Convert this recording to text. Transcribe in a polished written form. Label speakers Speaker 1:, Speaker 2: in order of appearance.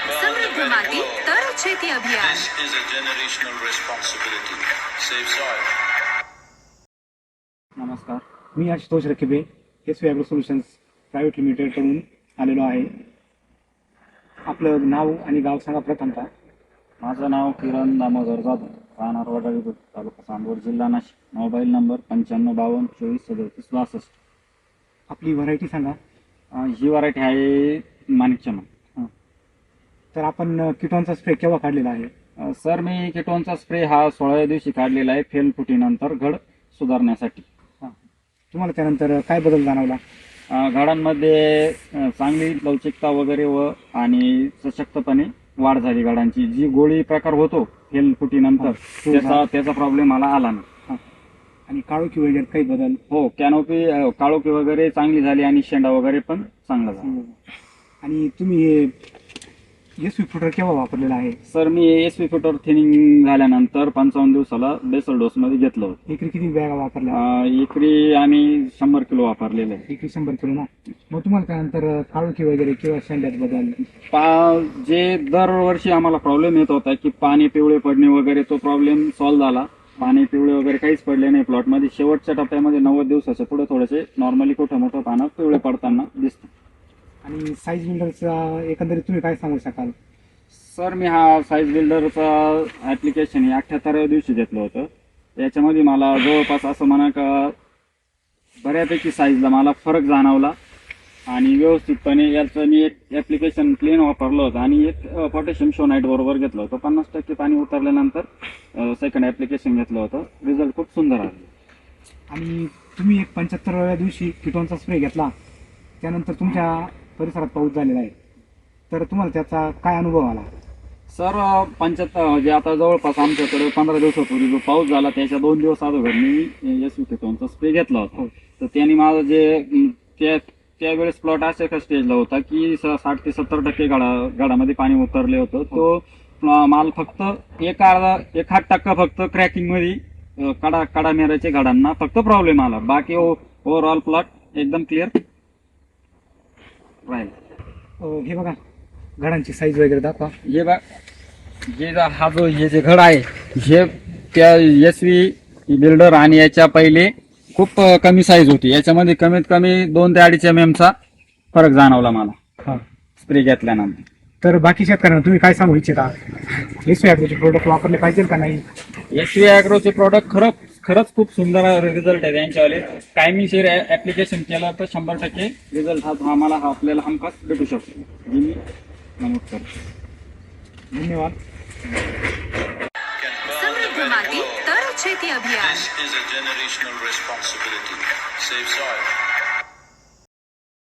Speaker 1: समृद्ध माती तर शेती अभियान.
Speaker 2: This is a generational responsibility. Save soil.
Speaker 3: नमस्कार,
Speaker 4: मी Ashutosh Rakibe SV agro solutions private लिमिटेडकडून आलेलो आहे. आपलं नाव आणि गाव सांगा प्रथमतः.
Speaker 3: माझं नाव किरण दामोदर जाधव, राहणार वडाळी बुद्रुक, तालुका चांदवड, जिल्हा नाशिक. Mobile number 9552243762.
Speaker 4: आपली व्हरायटी सांगा.
Speaker 3: ही व्हरायटी आहे माणिकचमन.
Speaker 4: तर आपण किटॉनचा स्प्रे केव्हा काढलेला आहे?
Speaker 3: सर, मी किटोनचा स्प्रे हा 16व्या दिवशी काढलेला आहे, फेल फुटीनंतर घड सुधारण्यासाठी.
Speaker 4: तुम्हाला त्यानंतर काय बदल जाणवला?
Speaker 3: घडांमध्ये चांगली लवचिकता वगैरे आणि सशक्तपणे वाढ झाली घडांची. जी गोळी प्रकार होतो फेल फुटीनंतर त्याचा प्रॉब्लेम मला आला नाही.
Speaker 4: आणि काळोखी वगैरे काही बदल?
Speaker 3: हो, कॅनोपी काळोखी वगैरे चांगली झाली आणि शेंडा वगैरे पण चांगला झाला.
Speaker 4: आणि तुम्ही SV फुटर केव्हा वापरलेला आहे?
Speaker 3: सर, मी SV फुटर थिनिंग झाल्यानंतर 55 दिवसाला बेसल डोस मध्ये घेतलं होतं.
Speaker 4: एकरी किती बॅगा वापरल्या?
Speaker 3: एकरी आम्ही 100 किलो वापरलेलं आहे.
Speaker 4: एकरी 100 किलो ना. मग तुम्हाला त्यानंतर काळोखी वगैरे किंवा शेंड्यात बदल?
Speaker 3: जे दरवर्षी आम्हाला प्रॉब्लेम येत होता की पाणी पिवळे पडणे वगैरे, तो प्रॉब्लेम सॉल्व्ह झाला. पाणी पिवळे वगैरे काहीच पडले नाही प्लॉटमध्ये. शेवटच्या टप्प्यामध्ये 90 दिवसाच्या पुढे थोडेसे नॉर्मली कुठं मोठं पानं पिवळे पडताना दिसतं.
Speaker 4: आणि साईज बिल्डरचा एकंदरीत तुम्ही काय सांगू शकाल?
Speaker 3: सर, मी हा साईज बिल्डरचा ऍप्लिकेशन 78व्या दिवशी घेतलं होतं. याच्यामध्ये मला जवळपास असं म्हणा का बऱ्यापैकी साईजला मला फरक जाणवला. आणि व्यवस्थितपणे याचं मी एक ऍप्लिकेशन प्लेन वापरलं होतं आणि एक पोटॅशियम शोनाईट बरोबर घेतलं होतं. 50% पाणी उतरल्यानंतर सेकंड ऍप्लिकेशन घेतलं होतं. रिझल्ट खूप सुंदर आले.
Speaker 4: आणि तुम्ही एक 75व्या दिवशी किटॉनचा स्प्रे घेतला, त्यानंतर तुमच्या परिसरात पाऊस झालेला आहे, तर तुम्हाला त्याचा काय अनुभव आला?
Speaker 3: सर, 75 जे आता जवळपास आमच्याकडे 15 दिवसापूर्वी जो पाऊस झाला त्याच्या 2 दिवस अगोदर मी SV किटॉनचा स्प्रे घेतला होता. तर त्याने माझं जे त्यावेळेस प्लॉट अशा स्टेजला होता की 60 ते 70% गाडामध्ये पाणी उतरले होतं. तो माल फक्त एक हात टक्का फक्त क्रॅकिंग मध्ये कडा मेराच्या गाडांना फक्त प्रॉब्लेम आला. बाकी ओव्हरऑल प्लॉट एकदम क्लिअर राहील.
Speaker 4: हे बघा, घडांची साईज वगैरे दाखवा.
Speaker 3: हे बघ, हे जे घड आहे हे त्या SV बिल्डर आणि याच्या पहिले खूप कमी साईज होती. याच्यामध्ये कमीत कमी 2 ते 2.5 mm चा फरक जाणवला मला स्प्रे घेतल्यानंतर.
Speaker 4: तर बाकी शेतकऱ्यांना तुम्ही काय सांगू इच्छिता? SV ॲग्रोचे प्रोडक्ट वापरले पाहिजे का नाही?
Speaker 3: SV ॲग्रोचे प्रोडक्ट खरंच खूप सुंदर रिझल्ट आहे त्यांच्यावाले. टायमिंगशीर ऍप्लिकेशन केलं तर 100% रिझल्ट आपल्याला हमखास भेटू शकतो, हे मी नमूद करतो.
Speaker 4: धन्यवाद.
Speaker 1: समृद्ध माती तर शेती अभियान.
Speaker 2: This is a generational responsibility. Save soil.